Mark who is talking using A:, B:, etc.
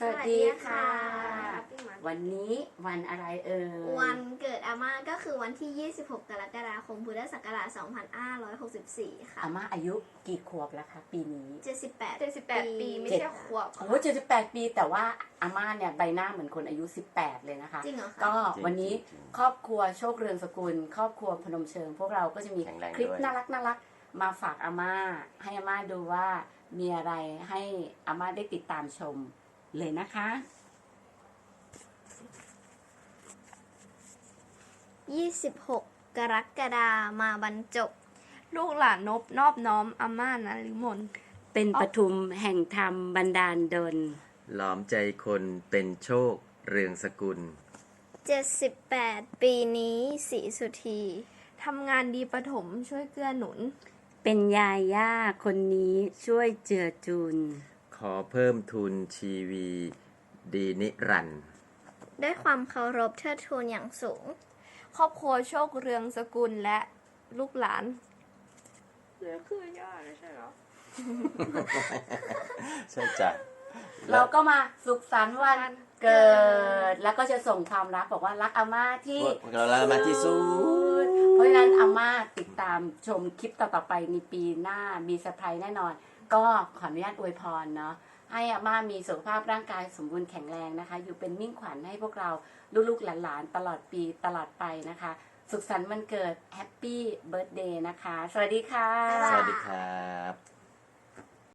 A: สวัสดีค่ะวันนี้วันอะไร
B: วันเกิดอาม่าก็คือวันที่ 26 กรกฎาคม พุทธศักราช 2564 ค่ะ
A: อาม่าอายุกี่ขวบแล้วคะปีนี้
B: 78
C: ปีไม่ใช่ขวบ
A: โอ้78 ปีแต่ว่าอาม่าเนี่ยใบหน้าเหมือนคนอายุ18เลยนะคะ
B: จริงเหรอคะ
A: ก็วันนี้ครอบครัวโชคเรืองสกุล ครอบครัวพนมเชิง พวกเราก็จะมีคลิปน่ารักมาฝากอาม่าให้อาม่าดูว่ามีอะไรให้อาม่าได้ติดตามชมเลยนะคะ
B: 26 กรกฎามาบรรจบ
C: ลูกหลานนอบน้อมอาม่านะลิมน
A: เป็นปทุมแห่งธรรมบันดาลดล
D: หลอมใจคนเป็นโชคเรืองสกุล
B: 78 ปีนี้ศรีสุธี
C: ทำงานดีประถมช่วยเกื้อหนุน
A: เป็นยาย่าคนนี้ช่วยเจือจุน
D: ขอเพิ่มทุนชีวี ดีนิรันดร์
B: ด้วยความเคารพเทิดทูนอย่างสูง
C: ครอบครัวโชคเรืองสกุลและลูกหลานเหลือคือย่าเลยใช่หรอ
D: ใช่จ้ะ
A: เราก็มาสุขสันต์วันเกิด แล้วก็จะส่งความรักบอกว่ารักอาม่าที่
D: พวกเรามาที่สุด
A: เพราะฉะนั้นอาม่าติดตามชมคลิปต่อๆไปในปีหน้ามีเซอร์ไพรส์แน่นอน ก็ขออนุญาตอวยพรเนาะให้อาม่ามีสุขภาพร่างกายสมบูรณ์แข็งแรงนะคะ อยู่เป็นมิ่งขวัญให้พวกเราลูกๆหลานๆตลอดปีตลอดไปนะคะ สุขสันต์วันเกิดแฮปปี้เบิร์ธเดย์นะคะ สวัสดีค่ะ
B: บ๊ายบาย
D: สวัสดีครับ